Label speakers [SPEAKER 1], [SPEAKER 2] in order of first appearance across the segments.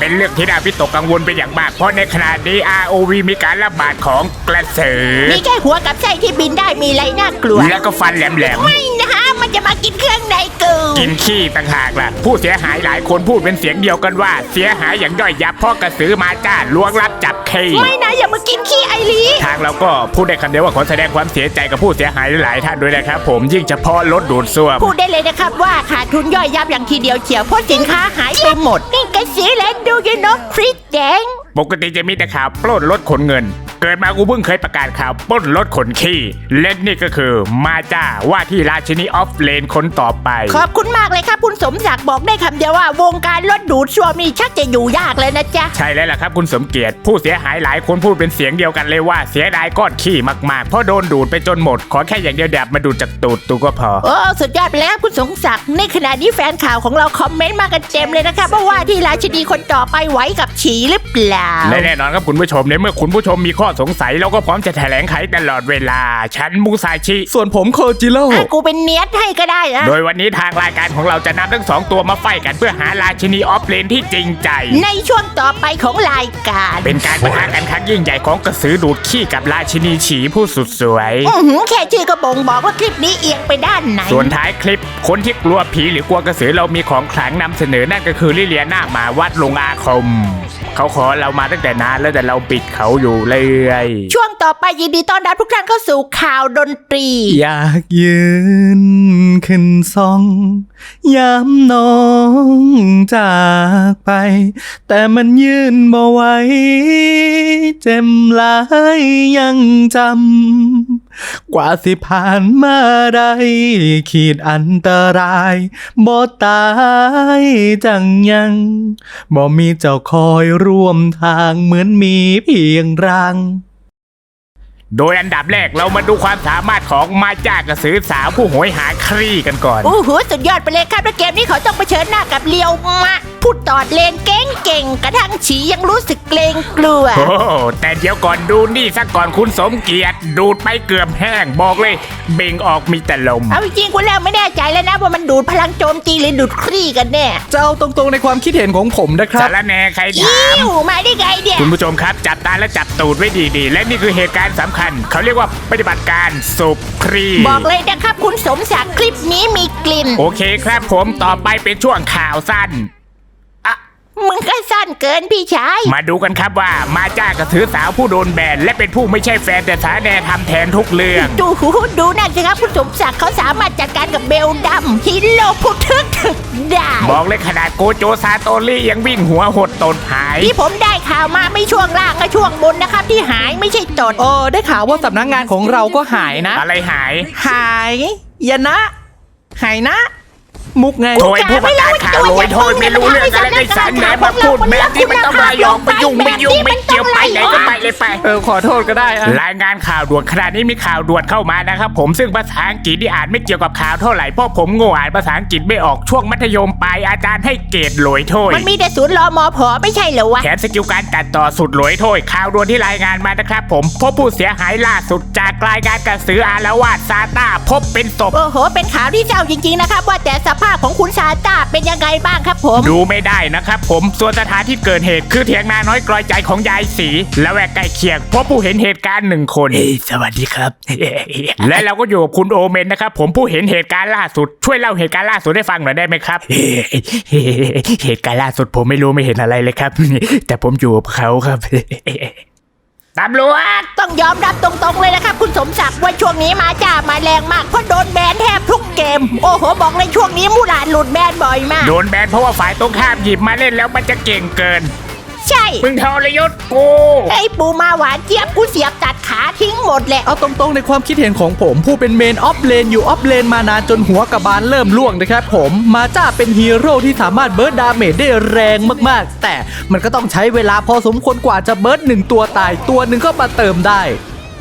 [SPEAKER 1] เป็นเรื่องที่น่าวิตกกังวลเป็นอย่างมากเพราะในขณะนี้ ROV มีการระบาดของกระสือ
[SPEAKER 2] มีแค่หัวกับไส้ที่บินได้มีอะไรน่ากลัว
[SPEAKER 1] แล้วก็ฟันแหลมๆ
[SPEAKER 2] ไม่นะมันจะมากินเครื่องในกู
[SPEAKER 1] กินขี้ต่างหากล่ะผู้เสียหายหลายคนพูดเป็นเสียงเดียวกันว่าเสียหายอย่างย่อยยับเพราะกระสือมาจ้าล้วงลับจับขี้
[SPEAKER 2] ไม่นะอย่ามากินขี้ไอรี
[SPEAKER 1] ทางเราก็พูดได้คำเดียวว่าขอแสดงความเสียใจกับผู้เสียหายหลายท่านด้วยนะครับผมยิ่งเฉพาะรถดูดซ่วม
[SPEAKER 2] พูดได้เลยนะครับว่าขาดทุนย่อยยับอย่างทีเดียวเฉียวเพราะสินค้าหายไปหมดนี่กระสือและดูยูนกพริกแดง
[SPEAKER 1] ปกติจะมีแต่ข่าวปล้นรถขนเงินเกิดมากูเพิ่งเคยประกาศข่าวปล้นรถขนขี้และนี่ก็คือมาจ้าว่าที่ราชินีออฟเลนคนต่อไป
[SPEAKER 2] ขอบคุณมากเลยครับคุณสมศักดิ์บอกได้คำเดียวว่าวงการรถดูดซ่วมนี่ชักจะอยู่ยากเลยนะจ๊ะ
[SPEAKER 1] ใช่แล้วล่ะครับคุณสมเกียรติผู้เสียหายหลายคนพูดเป็นเสียงเดียวกันเลยว่าเสียดายก้อนขี้มากๆเพราะโดนดูดไปจนหมดขอแค่อย่างเดียวแบบมาดูดจากตูดตูก็พอ
[SPEAKER 2] โอ้สุดยอดไปแล้วคุณสมศักดิ์ในขณะนี้แฟนข่าวของเราคอมเมนต์มากันเต็มเลยนะครับว่าที่ราชินีคนต่อไปไหวกับฉี่หรือเปล่า
[SPEAKER 1] แน่นอนครับคุณผู้ชมในเมื่อคุณผู้ชมมีข้อสงสัยเราก็พร้อมจะแถลงไขตลอดเวลาฉันมูซาชิ
[SPEAKER 3] ส่วนผมโคจิโร่
[SPEAKER 2] กูเป็นเนียดให้ก็ได้นะ
[SPEAKER 1] โดยวันนี้ทางรายการของเราจะนำทั้ง2ตัวมาไฟกันเพื่อหาราชินีออฟเลนที่จริงใจ
[SPEAKER 2] ในช่วงต่อไปของรายการ
[SPEAKER 1] เป็นการปะทะกันครั้งยิ่งใหญ่ของกระสือดูดขี้กับราชินีฉีผู้สุดสวย
[SPEAKER 2] แค่ชื่อก็บ่งบอกว่าคลิปนี้เอียงไปด้านไหน
[SPEAKER 1] ส่วนท้ายคลิปคนที่กลัวผีหรือกลัวกระสือเรามีของขลังนำเสนอนั่นก็คือลิเลียนาหมาวัดลงอาคมเขาขอเรามาตั้งแต่นานแล้วแต่เราปิดเขาอยู่เลย
[SPEAKER 2] ช่วงต่อไปยินดีต้อนรับทุกท่านเข้าสู่ข่าวดนตรี
[SPEAKER 3] อยากยืนขึ้นซองย้ำน้องจากไปแต่มันยืนบ่ไหวเจ็บหลายยังจำกว่าสิผ่านมาได้ขีดอันตรายบ่ตายจังยังบ่มีเจ้าคอยร่วมทางเหมือนมีเพียงร่าง
[SPEAKER 1] โดยอันดับแรกเรามาดูความสามารถของมาจ้ากระสือสาวผู้โหยหาครี่กันก่อน
[SPEAKER 2] โอ้โหสุดยอดไปเลยครับและเกมนี้เขาต้องเผชิญหน้ากับเลียวมะพูดตอดเลนเก่งกระทั่งฉียังรู้สึกเกรงกลัว
[SPEAKER 1] โอ้แต่เดี๋ยวก่อนดูนี่ซะก่อนคุณสมเกียรติดูดไปเกือบแห้งบอกเลยเบ่งออกมีแต่ลม
[SPEAKER 2] เอาจริงๆคุณแล้วไม่แน่ใจแล้วนะว่ามันดูดพลังโจมตีหรือดูดครี่กันแน่
[SPEAKER 3] จะเอาตรงๆในความคิดเห็นของผมนะครับ
[SPEAKER 1] สารแหน่ใครถาม
[SPEAKER 2] มาได้ไงเนี่ย
[SPEAKER 1] คุณผู้ชมครับจับตาและจับตูดไว้ดีๆและนี่คือเหตุการณ์สำคัญเขาเรียกว่าปฏิบัติการสูบครี่
[SPEAKER 2] บอกเลยนะครับคุณสมศักดิ์คลิปนี้มีกลิ่น
[SPEAKER 1] โอเคครับผมต่อไปเป็นช่วงข่าวสั้น
[SPEAKER 2] มึงก็สั้นเกินพี่ชาย
[SPEAKER 1] มาดูกันครับว่ามาจ้ากระสือสาวผู้โดนแบนและเป็นผู้ไม่ใช่แฟนแต่สาแดทำแทนทุกเรื่อง
[SPEAKER 2] ดูนั่นสิครับคุณสมศักดิ์เขาสามารถจัดการกับเบลดัมฮิโร่ผู้ทึกได้
[SPEAKER 1] บอกเลยขนาดโกโจซาโตริยังวิ่งหัวหดตดหาย
[SPEAKER 2] ที่ผมได้ข่าวมาไม่ช่วงล่างก็ช่วงบนนะครับที่หายไม่ใช่ตด
[SPEAKER 3] ได้ข่าวว่าสำนักงานของเราก็หายนะ
[SPEAKER 1] อะไรหาย
[SPEAKER 3] ยนะหายนะมุกไง
[SPEAKER 1] โอยผู้ประกาศข่าวโอยโทษไม่รู้เรื่องอะไรในสารแหนมาพูดแบบที่ไม่ต้องมายองไปยุ่งไม่เกี่ยวไปไหนก็ไปเลยไป
[SPEAKER 3] ขอโทษก็ได้
[SPEAKER 1] รายงานข่าวด่วนขณะนี้มีข่าวด่วนเข้ามานะครับผมซึ่งภาษาอังกฤษที่อ่านไม่เกี่ยวกับข่าวเท่าไหร่เพราะผมโง่อ่านภาษาอังกฤษไม่ออกช่วงมัธยมปลายอาจารย์ให้เกรดโหลยโทษ
[SPEAKER 2] มันมีแต่ศูนย์รมผไม่ใช่เหรอวะ
[SPEAKER 1] แถมสกิลการตัดต่อสุดโหลยโทษข่าวด่วนที่รายงานมานะครับผมพบผู้เสียหายล่าสุดจากรายงานกระสืออาละวาดซาต้าพบเป็นศพ
[SPEAKER 2] โอ้โหเป็นข่าวที่เศร้าจริงๆนะครับว่าแต่สภาพของคุณซาต้าเป็นยังไงบ้างครับผม
[SPEAKER 1] ดูไม่ได้นะครับผมส่วนสถานที่เกิดเหตุคือเถียงนาน้อยกลอยใจของยายศรีและแวกใกล้เคียงพบผู้เห็นเหตุการณ์1 คน
[SPEAKER 3] สวัสดีครับ
[SPEAKER 1] และเราก็อยู่กับคุณโอเมนนะครับผมผู้เห็นเหตุการณ์ล่าสุดช่วยเล่าเหตุการณ์ล่าสุดให้ฟังหน่อยได้ไหมครับเหตุการณ์ล่าสุดผมไม่รู้ไม่เห็นอะไรเลยครับแต่ผมอยู่กับเขาครับตำรวจ
[SPEAKER 2] ต้องยอมรับตรงๆเลยนะครับคุณสมศักดิ์ว่าช่วงนี้มาจ้ามาแรงมากเพราะโดนแบนแทบทุกเกมโอ้โหบอกเลยช่วงนี้มูหลานหลุดแบนบ่อยมาก
[SPEAKER 1] โดนแบนเพราะว่าฝ่ายตรงข้ามหยิบมาเล่นแล้วมันจะเก่งเกิน
[SPEAKER 2] ใช่
[SPEAKER 1] มึงทรยศกู
[SPEAKER 2] ไอ้ปูมาหวานเจี๊ยบกูเสียบตัดขาทิ้งหมดแหละ
[SPEAKER 3] เอาตรงๆในความคิดเห็นของผมผู้เป็นเมนออฟเลนอยู่ออฟเลนมานานจนหัวกระบาลเริ่มล่วงนะครับผมมาจ้าเป็นฮีโร่ที่สามารถเบิร์ดดาเมจได้แรงมากๆแต่มันก็ต้องใช้เวลาพอสมควรกว่าจะเบิร์ด1 ตัวตายตัวหนึ่งก็มาเติมได้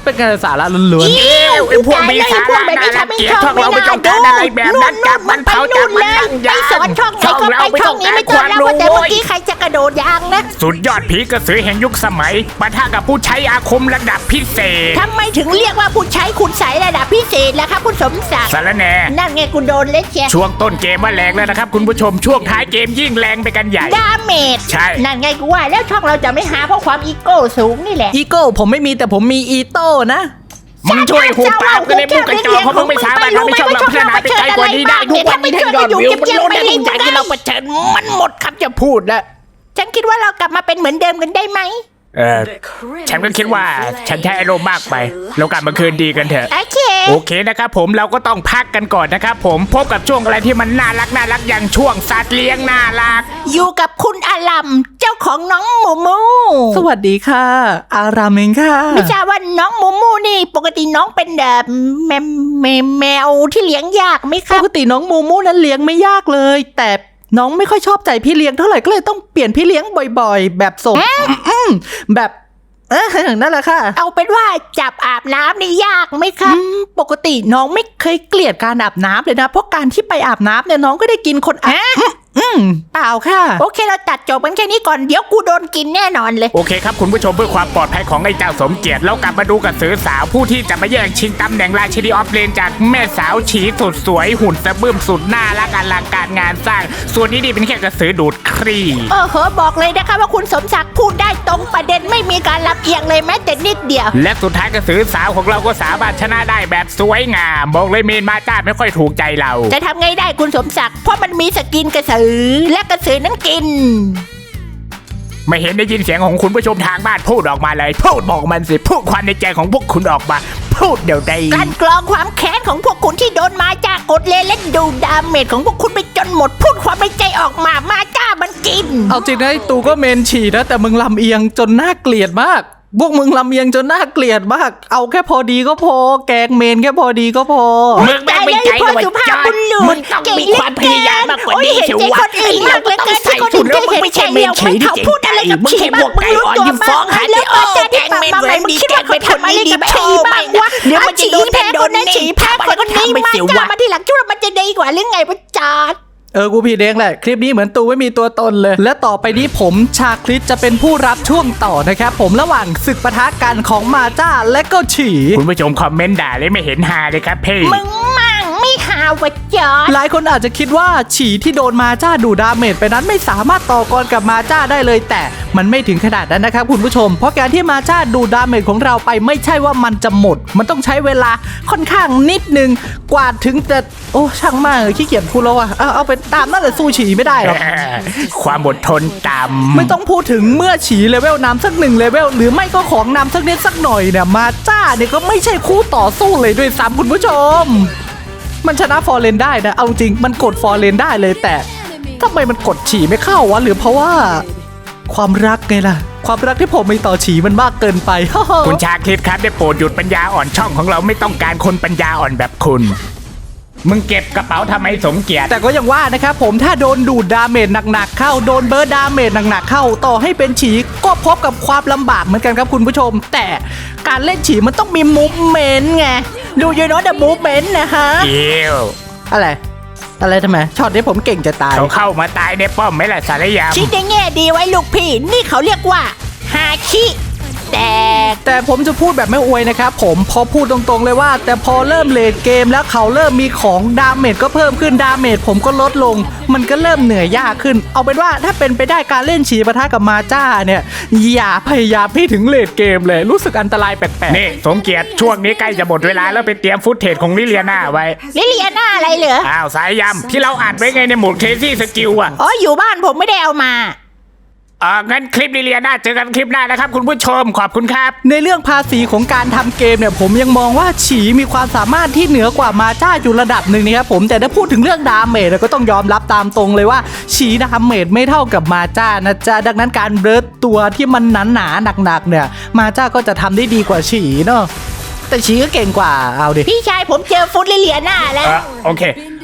[SPEAKER 3] เป็นการสาระล้วน
[SPEAKER 1] เอ้วไอ้พวกมีสาระน่ารังเกียจพวกเราไม่ต้องการอะไรแบบนั้นจับมันเผาจับมันนั่ง
[SPEAKER 2] ไป
[SPEAKER 1] ยาง
[SPEAKER 2] สอนช่องไหนก็ไปช่องนี้ไม่เจอแล้วว่าแต่เมื่อกี้ใครจะกระโดดยางนะ
[SPEAKER 1] สุดยอดผีกระสือแห่งยุคสมัยปะทะกับผู้ใช้อาคมระดับพิเศษ
[SPEAKER 2] ทำไมถึงเรียกว่าผู้ใช้คุณใสระดับพิเศษล่ะครับคุณสมศักดิ์
[SPEAKER 1] สารแหน่
[SPEAKER 2] นั่นไงคุณโดนเล็กเชีย
[SPEAKER 1] ช่วงต้นเกมว่าแรงแล้วนะครับคุณผู้ชมช่วงท้ายเกมยิ่งแรงไปกันใหญ่
[SPEAKER 2] ดาเมจ
[SPEAKER 1] ใช่
[SPEAKER 2] นั่นไงกูว่าแล้วช่องเราจะไม่หาเพราะความอีโก้สูงนี่แหละ
[SPEAKER 3] ๆอีโก้ผมไม่มีแต่ผมมีอีโต้นะ
[SPEAKER 1] มึงช่วยหูปากกันเลยมึงกระจอกเพราะมึงไม่สามารถทำให้ช่องเราพัฒนาไปไกลกว่านี้ได้ทุกวันนี้ถ้ายอดวิวมันลดได้ทุกอย่างที่เราเผชิญมันหมดคำจะพูดแล้ว
[SPEAKER 2] ฉันคิดว่าเรากลับมาเป็นเหมือนเดิมกันได้ไหม
[SPEAKER 1] ฉันก็คิดว่าฉันใช้อารมณ์มากไปเรากลับมาคืนดีกันเถอะ
[SPEAKER 2] โอเค
[SPEAKER 1] โอเคนะครับผมเราก็ต้องพักกันก่อนนะครับผมพบกับช่วงอะไรที่มันน่ารักอย่างช่วงสัตว์เลี้ยงน่ารัก
[SPEAKER 2] อยู่กับคุณอาลัมเจ้าของน้องหมูมู
[SPEAKER 3] สวัสดีค่ะ อารามเองค่ะ
[SPEAKER 2] ไม่ทราบว่าน้องหมูมูนี่ ปกติน้องเป็นแบบแมวที่เลี้ยงยากไหมค
[SPEAKER 3] ป
[SPEAKER 2] รับ
[SPEAKER 3] กติน้องมูมูนั้นเลี้ยงไม่ยากเลย แต่น้องไม่ค่อยชอบใจพี่เลี้ยงเท่าไหร่ก็เลยต้องเปลี่ยนพี่เลี้ยงบ่อยๆ แบบสมแบบนั่นแหละค่ะ
[SPEAKER 2] เอาเป็นว่าจับอาบน้ำนี่ยากไหมครับ
[SPEAKER 3] ปกติน้องไม่เคยเกลียดการอาบน้ำเลยนะ เพราะการที่ไปอาบน้ำเนี่ยน้องก็ได้กินคนอาบเปล่าค่ะ
[SPEAKER 2] โอเคเราตัดจบกันแค่นี้ก่อนเดี๋ยวกูโดนกินแน่นอนเลย
[SPEAKER 1] โอเคครับคุณผู้ชมเพื่อความปลอดภัยของไอ้เจ้าสมเกียรติเรากลับมาดูกับสือสาวผู้ที่จะมาแย่งชิงตำแหน่งราชินีออฟเลนจากแม่สาวฉีสุดสวยหุ่นสะบึ้มสุดน่ารักอลังการงานสร้าง ส่วนนี้นี่เป็นแค่กระสือดูดครี
[SPEAKER 2] โอ้โหบอกเลยนะคะว่าคุณสมศักดิ์พูดได้ตรงประเด็นไม่มีการลำเอียงเลยแม้แต่นิดเดียว
[SPEAKER 1] และสุดท้ายกระสือสาวของเราก็สามารถชนะได้แบบสวยงามบอกเลยเมนมาจ้าไม่ค่อยถูกใจเรา
[SPEAKER 2] จะทำไงได้คุณสมศักดิ์เพราะมันมีสกินกระสือและกระสือนั้นกิน
[SPEAKER 1] ไม่เห็นได้ยินเสียงของคุณผู้ชมทางบ้านพูดออกมาเลยพูดบอกมันสิพูดความในใจของพวกคุณออกมาพูดเดี๋ยวใด
[SPEAKER 2] กลั่นกรองความแค้นของพวกคุณที่โดนมาจ้ากดเลนและดูดาเมจของพวกคุณไปจนหมดพูดความในใจออกมามาจ้ามันกิน
[SPEAKER 3] เอาจริงนะไอ้ตูก็เมนฉี่นะแต่มึงลำเอียงจนน่าเกลียดมาก พวกมึงลำเอียงจนน่าเกลียดมาก เอาแค่พอดีก็พอ แกงเมนแค่พอดีก็พอ
[SPEAKER 1] มึงแม่งไม่ใจเลยว่าจอดมึงต้องมีความพยายามมากกว่านี้เชียววะ
[SPEAKER 2] คนอื่นมากเลยเกินที่คนอื่น
[SPEAKER 1] แล้วมึงไม่ใช่เมนฉีที่
[SPEAKER 2] เขาพูดอะไรกับ
[SPEAKER 1] มึง
[SPEAKER 2] ฉี
[SPEAKER 1] แค่พวกไก่อ่อนยิ้มฟ้องหา
[SPEAKER 2] แล้ว
[SPEAKER 1] โอ้
[SPEAKER 2] จะ
[SPEAKER 1] แกงเมนแรงดีแกงเมนคนนี้ดีโชว์ไปนะเดี๋ยวมันจะโดนแพ้คนนั้นฉีแพ้คนนี้มาจ้ามาที่หลังชุดมันจะดีกว่าหรือไงวะจอด
[SPEAKER 3] กูผิดเองแหละ คลิปนี้เหมือนตูไม่มีตัวตนเลย และต่อไปนี้ผมชาคริสจะเป็นผู้รับช่วงต่อนะครับผมระหว่างศึกปะทะกันของมาจ้าและก็ฉี่
[SPEAKER 1] คุณผู้ชมคอมเมนต์ด่าเลยไม่เห็นฮาเลยครับพี่
[SPEAKER 2] มึงมั่งไม่หาวะจอด
[SPEAKER 3] หลายคนอาจจะคิดว่าฉี่ที่โดนมาจ้าดูดาเมจไปนั้นไม่สามารถต่อกรกับมาจ้าได้เลย แต่มันไม่ถึงขนาดนั้นนะครับคุณผู้ชม เพราะการที่มาจ้าดูดาเมจของเราไปไม่ใช่ว่ามันจะหมด มันต้องใช้เวลาค่อนข้างนิดนึงกว่าถึงจะโอ้ช่างมากเลยขี้เกียจพูดแล้วว่ะเอาไปตามนั่นแหละสู้ฉี่ไม่ได้หรอก
[SPEAKER 1] ความอดทนต่ำ
[SPEAKER 3] ไม่ต้องพูดถึงเมื่อฉีเลเวลน้ำสัก1เลเวลหรือไม่ก็ของน้ำสักนิดสักหน่อยเนี่ยมาจ้าเนี่ยก็ไม่ใช่คู่ต่อสู้เลยด้วยซ้ำคุณผู้ชม มันชนะฟอร์เรนได้นะเอาจริงมันกดฟอร์เรนได้เลยแต่ทำไมมันกดฉีไม่เข้าวะหรือเพราะว่าความรักไงล่ะ ความรักที่ผมมีต่อฉีมันมากเกินไป
[SPEAKER 1] คุณชาคริสครับได้โปรดหยุดปัญญาอ่อนช่องของเราไม่ต้องการคนปัญญาอ่อนแบบคุณ มึงเก็บกระเป๋าทำไมสมเกียรติ
[SPEAKER 3] แต่ก็ยังว่านะครับผมถ้าโดนดูดดาเมจหนักๆเข้าโดนเบิร์ดดาเมจหนักๆเข้าต่อให้เป็นฉีก็พบกับความลำบากเหมือนกันครับคุณผู้ชม แต่การเล่นฉีมันต้องมีมูฟเมนต์ไงดูยูโน่เดอะมูฟเมนต์นะฮะ
[SPEAKER 1] เอี้ยว
[SPEAKER 3] อะไรทำไมช็อตนี้ผมเก่งจะตาย
[SPEAKER 1] เขาเข้ามาตายในป้อมไหมล่ะสารยาม
[SPEAKER 2] คิดในแง่ดีไว้ลูกพี่ นี่เขาเรียกว่าฮาคิแต่
[SPEAKER 3] ผมจะพูดแบบไม่อวยนะครับผมพอพูดตรงๆเลยว่า แต่พอเริ่มเลดเกมแล้วเขาเริ่มมีของดาเมจก็เพิ่มขึ้นดาเมจผมก็ลดลง มันก็เริ่มเหนื่อยยากขึ้น เอาเป็นว่าถ้าเป็นไปได้การเล่นฉีปะทะกับมาจ้าเนี่ยอย่าพยายามให้ถึงเลดเกมเลยรู้สึกอันตรายแปลก
[SPEAKER 1] นี่สมเกียรติช่วงนี้ใกล้จะหมดเวลาแล้วไปเตรียมฟุตเทจของลิเลียนาไว้
[SPEAKER 2] ลิเลียน่าอะไรเหรอ
[SPEAKER 1] อ้าวสายยำที่เราอัดไว้ไงในหมวดเคซี่สกิลอ่ะ
[SPEAKER 2] อ๋ออยู่บ้านผมไม่ได้เอามา
[SPEAKER 1] งั้นคลิปลิเลียนาเจอกันคลิปหน้านะครับคุณผู้ชมขอบคุณครับ
[SPEAKER 3] ๆในเรื่องภาษีของการทำเกมเนี่ยผมยังมองว่าฉีมีความสามารถที่เหนือกว่ามาจ้าอยู่ระดับหนึ่งนะครับผมแต่ถ้าพูดถึงเรื่องดาเมจก็ต้องยอมรับตามตรงเลยว่าฉีดาเมจไม่เท่ากับมาจ้านะจ๊ะดังนั้นการเบิร์ดตัวที่มันหนาๆหนักๆเนี่ยมาจ้าก็จะทำได้ดีกว่าฉีเนาะแต่ฉีก็เก่งกว่าเอาดิ
[SPEAKER 2] พี่ชายผมเจอฟุตลิเลียน่าแล้ว
[SPEAKER 1] โอเค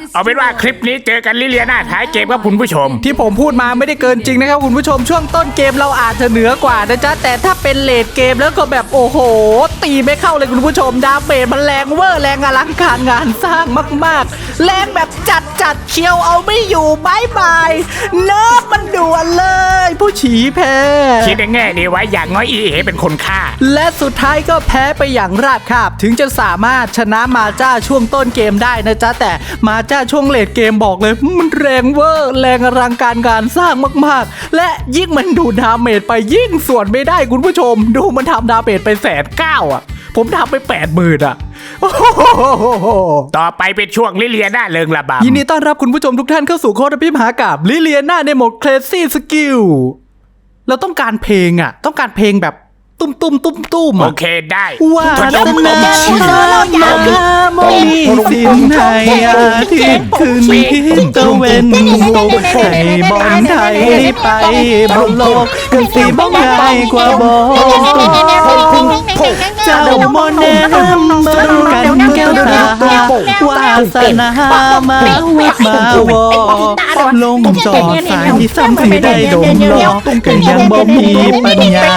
[SPEAKER 1] เอาเป็นว่าคลิปนี้เจอกันลิเลียนาท้ายเกมครับคุณผู้ชม
[SPEAKER 3] ที่ผมพูดมาไม่ได้เกินจริงนะครับคุณผู้ชมช่วงต้นเกมเราอาจจะเหนือกว่านะจ๊ะแต่ถ้าเป็นเลดเกมแล้วก็แบบโอ้โหตีไม่เข้าเลยคุณผู้ชมดาเมจมันแรงเวอร์แรงอลังการงานสร้างมากๆแรงแบบจัดเคียวเอาไม่อยู่บายบายเนิร์ฟมันด่วนเลย ผู้ฉีแพ้
[SPEAKER 1] คิดในแง่ดีไว้อย่างน้อยอีเอเป็นคนฆ่า
[SPEAKER 3] และสุดท้ายก็แพ้ไปอย่างราบคาบถึงจะสามารถชนะมาจ้าช่วงต้นเกมได้นะจ๊ะแต่มาจ้าช่วงเลดเกมบอกเลยมันแรงเวอร์แรงอลังการงานสร้างมากๆและยิ่งมันดูดาเมจไปยิ่งส่วนไม่ได้คุณผู้ชมดูมันทำดาเมจไป190,000อ่ะผมทำไป80,000อ่ะโอ้โห
[SPEAKER 1] ต่อไปเป็นช่วงลิเลียนาเริงระบำ
[SPEAKER 3] ยินดีต้อนรับคุณผู้ชมทุกท่านเข้าสู่โค้ดพิมหากับลิเลียนาในโหมด Crazy Skill เราต้องการเพลงอ่ะต้องการเพลงแบบตุ้มๆ
[SPEAKER 1] โอ
[SPEAKER 3] อ่ะ
[SPEAKER 1] เคได้
[SPEAKER 3] ว่า
[SPEAKER 1] ทด
[SPEAKER 3] ส
[SPEAKER 1] ลอง
[SPEAKER 3] นาโมมีสิ่งไหนอาทิตย์ขึ้นทิศตะเวนตกให้บอลไทยไปบนโลกกันสีบ้องง่ายกว่าบอลเจ้ามอนแนมเมืองกันแก้วตาวาสนามาวัดมาวอลงจอดสายที่ซ้ำที่ได้ดมรอก็ยังบ่มีปัญญา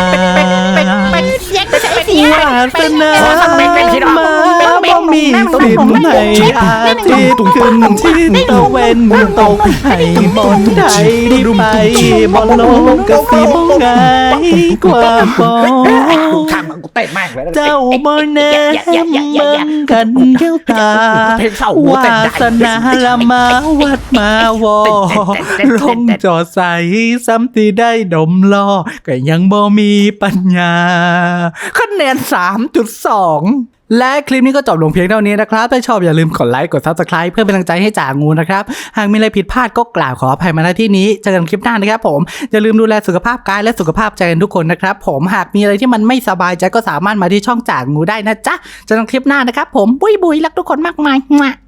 [SPEAKER 3] วาสนามาบ่มีสินให้อาทิตย์ขึ้นทิศตะเวนตกให้บอลไทยไปบอลโลกกะสีบ่ง่ายกว่าบอล
[SPEAKER 1] ทำกูเต้นมากเลย
[SPEAKER 3] เจ้าบ่แน่เมืองกันแก้วตาวาสนาละมาวัดมาวอลงจอดใสซ้ำที่ได้ดมล้อก็ยังบ่มีปัญญาคะแนน 3.2 และคลิปนี้ก็จบลงเพียงเท่านี้นะครับถ้าชอบอย่าลืมกดไลค์กด Subscribe เพื่อเป็นกำลังใจให้จ่างูนะครับหากมีอะไรผิดพลาดก็กล่าวขออภัยมาณที่นี้เจอกันคลิปหน้านะครับผมอย่าลืมดูแลสุขภาพกายและสุขภาพใจกันทุกคนนะครับผมหากมีอะไรที่มันไม่สบายใจก็สามารถมาที่ช่องจ่างูได้นะจ๊ะเจอกันคลิปหน้านะครับผมบุยรักทุกคนมากมาย